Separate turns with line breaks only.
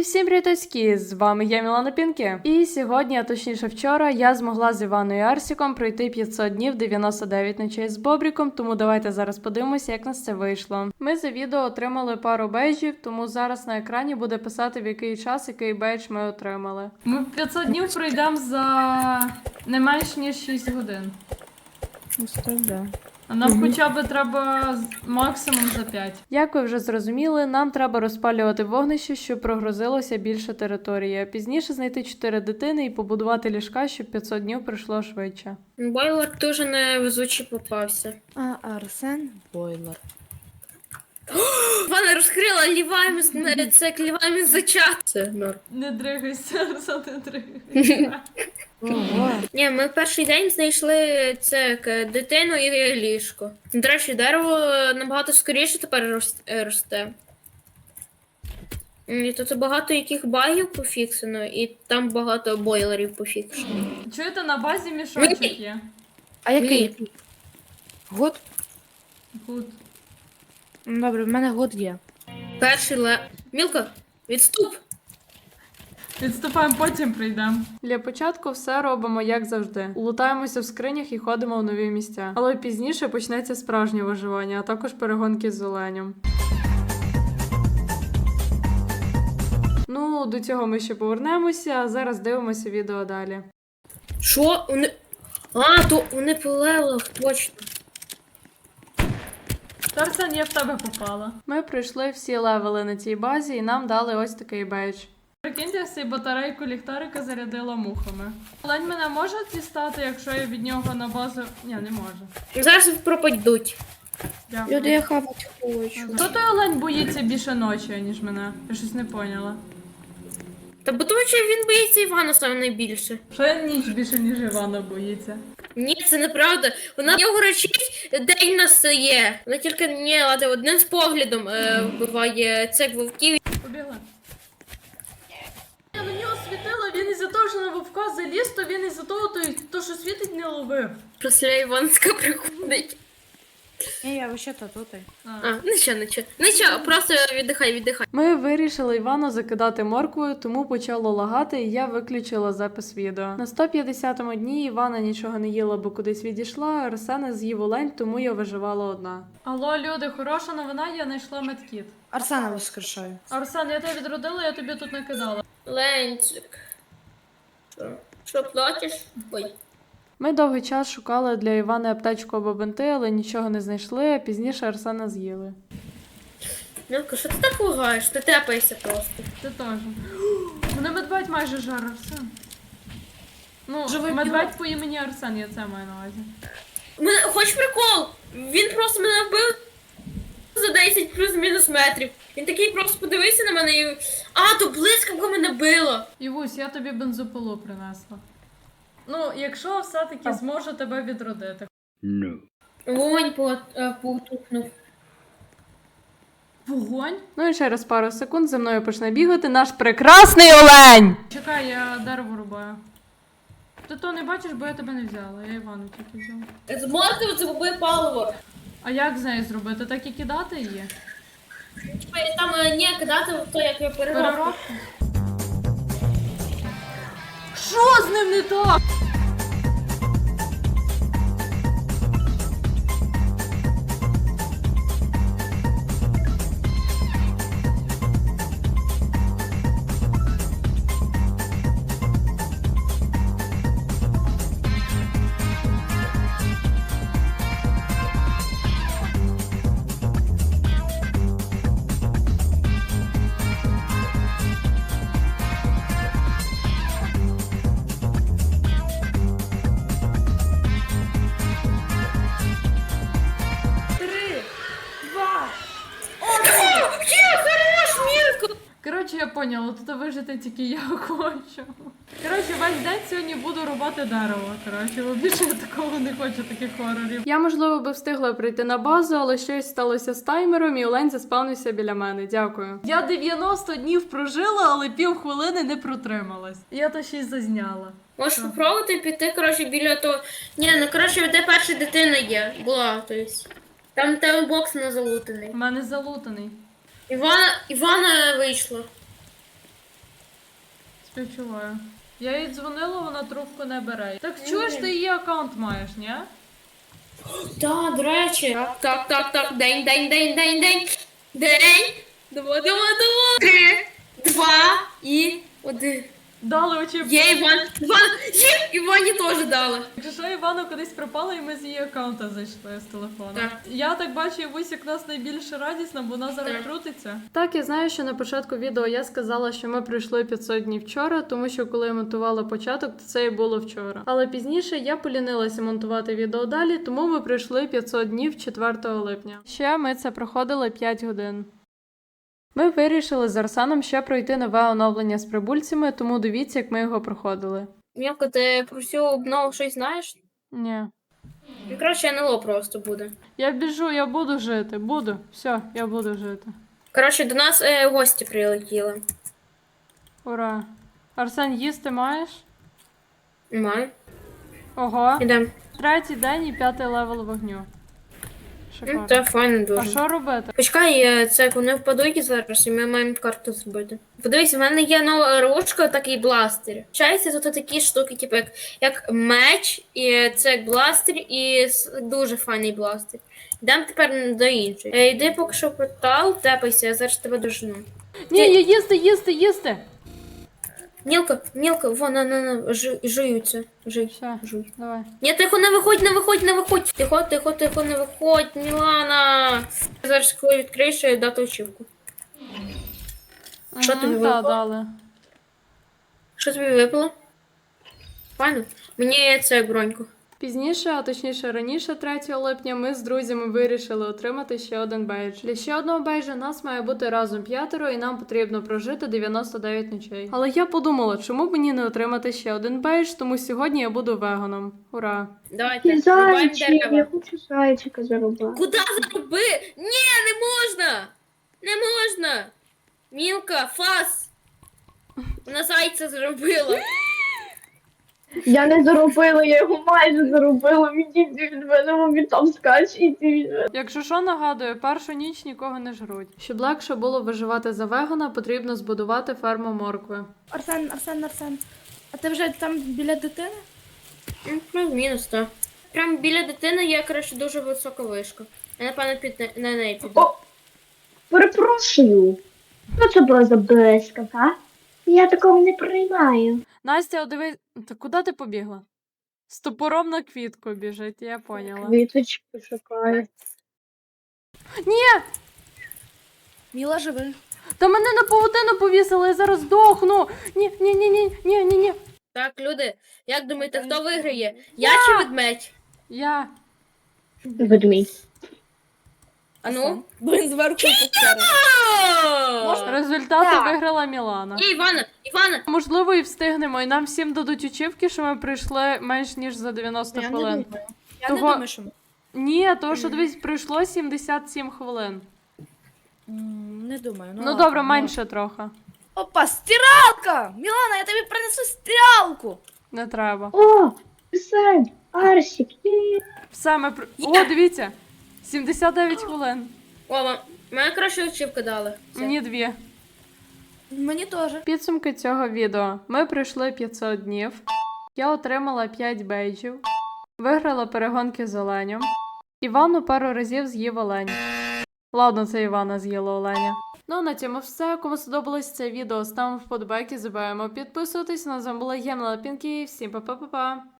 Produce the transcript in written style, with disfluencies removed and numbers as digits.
всім привітоські! З вами я, Мілана Пінкі. І сьогодні, а точніше вчора, я змогла з Іваною і Арсіком пройти 500 днів 99 ночей з Бобріком, тому давайте зараз подивимося, як нас це вийшло. Ми за відео отримали пару бейджів, тому зараз на екрані буде писати, в який час, який бейдж ми отримали. Ми 500 днів пройдемо за не менш ніж 6 годин. А нам хоча б треба максимум за 5. Як ви вже зрозуміли, нам треба розпалювати вогнище, щоб прогрузилося більше території, а пізніше знайти 4 дитини і побудувати ліжка, щоб 500 днів пройшло швидше.
Бойлер дуже невезучий попався.
А Арсен Бойлер.
Вона розкрила ліваємо це ліваємо за чат. Це норм.
Не дригайся, Арсен, не дригайся.
Ні, ми в перший день знайшли це дитину і ліжко. До речі, дерево набагато скоріше тепер росте. І тут багато яких багів пофіксено, і там багато бойлерів пофіксено.
Чуєте, на базі мішочок є?
А який? Год?
Гуд.
Добре, в мене год є.
Перший Мілка, відступ!
Відступаємо, потім прийдемо. Для початку все робимо як завжди. Лутаємося в скринях і ходимо в нові місця. Але пізніше почнеться справжнє виживання, а також перегонки з оленем. Ну, до цього ми ще повернемося, а зараз дивимося відео далі.
Що? То вони по левелах, точно.
Тарсан, я в тебе попала. Ми пройшли всі левели на цій базі і нам дали ось такий бейдж. Прикиньте, я цей батарейку ліхтарика зарядила мухами. Олень мене може дістати, якщо я від нього на базу... Ні, не може.
Зараз пропадуть.
Дякую.
Люди, я хавати хочу.
Хто той олень боїться більше ночі, ніж мене? Я щось не поняла.
Та бо тому що він боїться Івана саме найбільше.
Що я ніч більше, ніж Івана боїться?
Ні, це неправда. Вона його речить, день настає. Вона тільки одним з поглядом вбиває цих вовків.
Побігла. Я на нього світила, він із-за того, що на вовка заліз, то він із-за того, то що світить, не ловив.
Після Іванська приходить.
Ні, я вообще-то тут.
Нічого, просто віддихай.
Ми вирішили Івану закидати морквою, тому почало лагати, і я виключила запис відео. На 150-му дні Івана нічого не їла, бо кудись відійшла, а Арсена з'їв олень, тому я виживала одна. Алло, люди, хороша новина, я знайшла медкіт.
Арсена воскрешаю.
Арсен, я тебе відродила, я тобі тут накидала.
Ленчик. Що плачеш? Ой.
Ми довгий час шукали для Івани аптечку або бинти, але нічого не знайшли, а пізніше Арсена з'їли.
Мілка, що ти так лагаєш? Ти тепаєшся просто.
Ти теж. Мене медведь майже жар, Арсен. Ну,
Живий
медведь по імені Арсен, я це маю на увазі.
Хоч прикол? Він просто мене вбив за 10 плюс-мінус метрів. Він такий просто подивився на мене і... то блискавка мене била.
Івусь, я тобі бензопилу принесла. Ну, якщо все-таки зможу тебе відродити.
Вогонь потухнув.
Вогонь? Ну і через пару секунд за мною почне бігати наш прекрасний олень! Чекай, я дерево рубаю. Ти то не бачиш, бо я тебе не взяла, я Івану тільки взяла.
Зможете це губи паливо.
А як з нею зробити? Так і кидати її?
Там кидати в то, як я переробку.
Що з ним не так? Коротше, я поняла, тут вижити тільки я хочу. Коротше, весь день сьогодні буду рубати дерево. Коротше, бо більше я такого не хочу, таких хорорів. Я, можливо, би встигла прийти на базу, але щось сталося з таймером, і олень заспавнився біля мене. Дякую. Я 90 днів прожила, але півхвилини не протрималась. Я то ще й зазняла.
Можеш спробувати піти, біля того... де перша дитина є. Була, тобто. Там тебе бокс не залутаний.
У мене залутаний.
Івана вийшла.
Співчуваю. Я їй дзвонила, вона трубку не бере. Так чуєш, ти її аккаунт маєш, ні?
Так, до речі. Так. День. Давай. 3, 2 і 1.
Дали очі.
Є Івані теж дали.
Якщо що, Івана кудись пропала, і ми з її аккаунта зайшли з телефона.
Так.
Я так бачу, Вусік нас найбільше радісна, бо вона зараз
Так.
крутиться. Так, я знаю, що на початку відео я сказала, що ми пройшли 500 днів вчора, тому що коли я монтувала початок, то це і було вчора. Але пізніше я полінилася монтувати відео далі, тому ми пройшли 500 днів 4 липня. Ще ми це проходили 5 годин. Ми вирішили з Арсеном ще пройти нове оновлення з прибульцями, тому дивіться, як ми його проходили.
Мілка, ти про всю обнову щось знаєш?
Ні.
Ну, коротше, НЛО просто буде.
Я біжу, я буду жити. Буду. Все, я буду жити.
Коротше, до нас гості прилетіли.
Ура. Арсен, їсти маєш?
Маю.
Ого.
Ідем.
3-й день і 5-й левел вогню. Шикарно.
Це файно
А
дуже.
що робити?
Почекай, це як вони впадуть зараз, і ми маємо карту зробити. Подивись, в мене є нова ручка, такий бластер. Чається, тут такі штуки, типу, як меч, і це як бластер, і дуже файний бластер. Йдемо тепер до іншої. Йди поки що в портал, тепайся, я зараз тебе дожну.
Ні, я їсти!
Мілка, вон, на, жуються.
Все,
Жуй.
давай.
Ні, тихо, не виходь. Тихо, не виходь, Мілана. Зараз, коли відкриєш, дати очівку. Що тобі
Та,
випало?
дали.
Що тобі випало? Файно. Мені це броньку.
Пізніше, а точніше раніше, 3 липня, ми з друзями вирішили отримати ще один бейдж. Для ще одного бейджа нас має бути разом 5, і нам потрібно прожити 99 ночей. Але я подумала, чому б мені не отримати ще один бейдж, тому сьогодні я буду веганом. Ура!
Давайте,
Ти
рубаємо
зайчик, я
дерева.
хочу зайчика зарубати.
Куди заруби? Ні, не можна! Не можна! Мілка, фас! Вона зайця зробила.
Я не заробила, я його майже заробила. Відійди від мене, він там скаче, іди від мене.
Якщо що, нагадую, першу ніч нікого не жруть. Щоб легше було виживати за вегана, потрібно збудувати ферму моркви.
Арсен. А ти вже там біля дитини?
Плюс-мінус, так. Прямо біля дитини є, коротше, дуже висока вишка. Я, напевно, на неї піду.
О, перепрошую. Що це була за блискавка? Я такого не приймаю.
Настя, диви, та куди ти побігла? З топором на квітку біжить, я поняла.
Квіточки шукаю.
Міла живи.
Та мене на павутину повісили, я зараз здохну. Ні.
Так, люди, як думаєте, хто виграє? Я чи ведмедь?
Я.
Ведмідь.
А ну?
Блин, зверху покери.
Результати
Так.
виграла Мілана.
Ні, Івана!
Можливо, і встигнемо, і нам всім дадуть очівки, що ми прийшли менш ніж за 90
Я не
хвилин.
думаю. Я
Того-
не думаю, що...
Ні, тому що дивись, пройшло 77 хвилин.
Не думаю.
Ну
ладно,
добре, менше трохи.
Опа, стиралка! Мілана, я тобі принесу стиралку!
Не треба.
О, Арсен, Арсик, є.
Все, ми О, дивіться! 79 хвилин.
О, мене краще очівка дали. Все.
Мені 2.
Мені теж.
Підсумки цього відео. Ми пройшли 500 днів. Я отримала 5 бейджів. Виграла перегонки з оленем. Івану пару разів з'їв олень. Ладно, це Івана з'їла оленя. Ну, а на цьому все. Кому сподобалось це відео, ставимо вподобайки, забуваємо підписуватись. На з вами була Ємна Пінкі. Всім па-па-па-па.